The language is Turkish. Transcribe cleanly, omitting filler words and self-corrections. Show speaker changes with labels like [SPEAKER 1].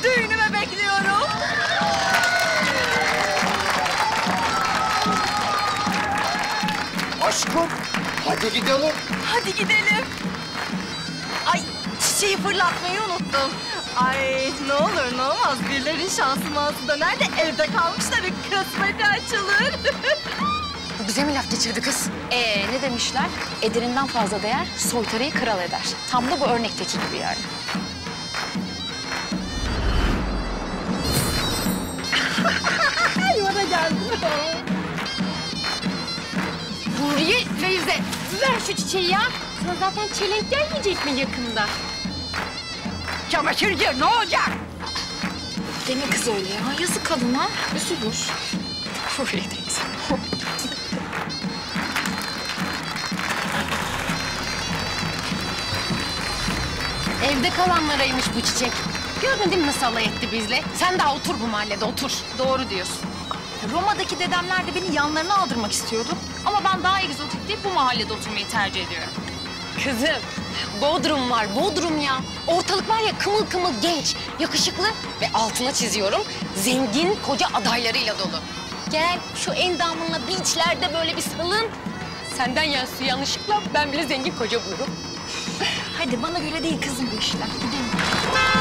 [SPEAKER 1] Düğünüme bekliyorum.
[SPEAKER 2] Aşkım, hadi gidelim.
[SPEAKER 1] Hadi gidelim. Ay, çiçeği fırlatmayı unuttum. Ay, ne olur ne olmaz. Birilerin şansı mansı döner de evde kalmış da bir kısmeti açılır.
[SPEAKER 3] Bu bize mi laf geçirdi kız? Ne demişler? Ederinden fazla değer, soytarıyı kral eder. Tam da bu örnekteki gibi yani.
[SPEAKER 1] Ay, bana geldi.
[SPEAKER 3] Huriye, Feyze, ver şu çiçeği ya. Sana zaten çelenk gelmeyecek mi yakında?
[SPEAKER 1] Çamaşır gir, ne olacak?
[SPEAKER 3] Deme kız öyle ya. Yazık kadına. Üzülür. Huriye teyze. Evde kalanlaraymış bu çiçek. Gördün değil mi nasıl alay etti bizle? Sen daha otur bu mahallede, otur.
[SPEAKER 1] Doğru diyorsun. Roma'daki dedemler de beni yanlarına aldırmak istiyordu. Ama ben daha egzotik değil, bu mahallede oturmayı tercih ediyorum.
[SPEAKER 3] Kızım, Bodrum var, Bodrum ya. Ortalık var ya kımıl kımıl genç, yakışıklı ve altına çiziyorum zengin koca adaylarıyla dolu. Gel şu endamınla beachlerde böyle bir salın. Senden yansı yanlışlıkla ben bile zengin koca bulurum.
[SPEAKER 1] Hadi bana göre değil kızım bu işler. Gidelim.